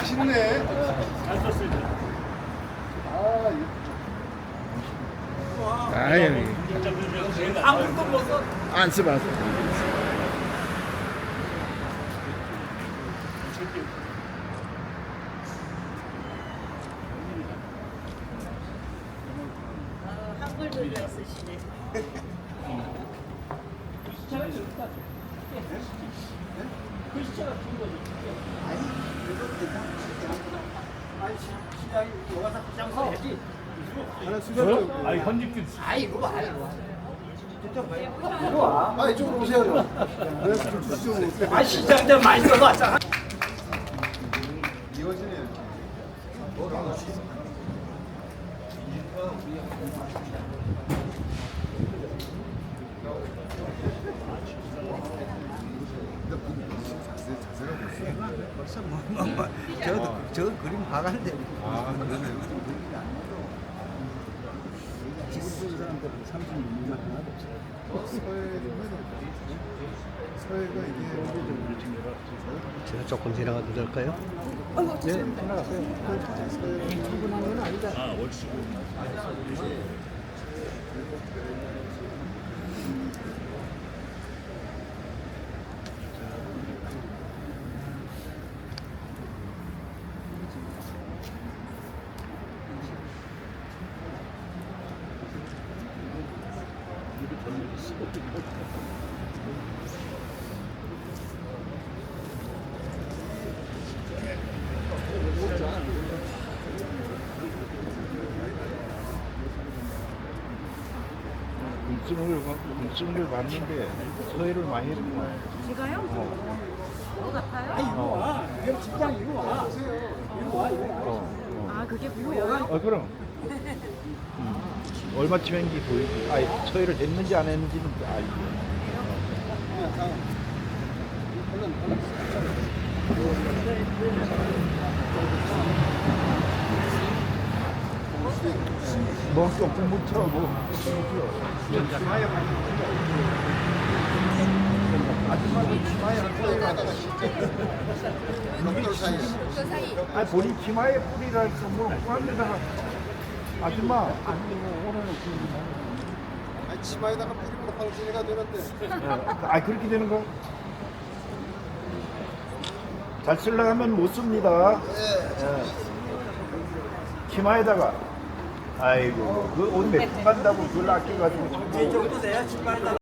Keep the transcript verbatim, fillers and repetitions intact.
맛있네. 잘 썼습니다. 아, 아유, 아무것도 못 써. 안 써봤어. 어, 한글도 잘 쓰시네. 하나 수저. 아니 현직들 아, 이쪽으로 오세요. 그래서 좀 주시죠. 아 시장들 많이 써봤잖아. 이어지네요. 벌써 뭐, 뭐, 뭐 저도 저 그림 봐간데 아, 그러네요. 지금 보는 사람들은 삼십 년만 하나도 없어요. 서해가 이게 제가 조금 지나가도 될까요? 네, 지나갔어요. 출근한 건 아니다. 아 옳지. 궁증을 궁증을 봤는데 서해를 많이 했구나. 제가요? 뭐 같아요? 어, 직장 이거 와. 어, 아, 그게 뭐예요? 어, 그럼. 음. 얼마쯤인지 보이지. 아니, 서해를 했는지 안 했는지는 알지. 먹을 게 없으면 못 쳐, 뭐. 아줌마는 치마에 한 뿌리를 하다가 벽돌 사이에. 아니, 본인 치마에 뿌리를 할까, 뭐, 그런데다가 아줌마, 아니, 뭐, 오늘은 그, 아니, 치마에다가 뿌리면 황진이가 되는데. 아, 그렇게 되는 거? 잘 쓰려고 하면 못 씁니다. 예. 치마에다가. 아이고, 그 옷 몇 푼 간다고 그걸 아껴가지고. 이 정도 돼야 신발에다가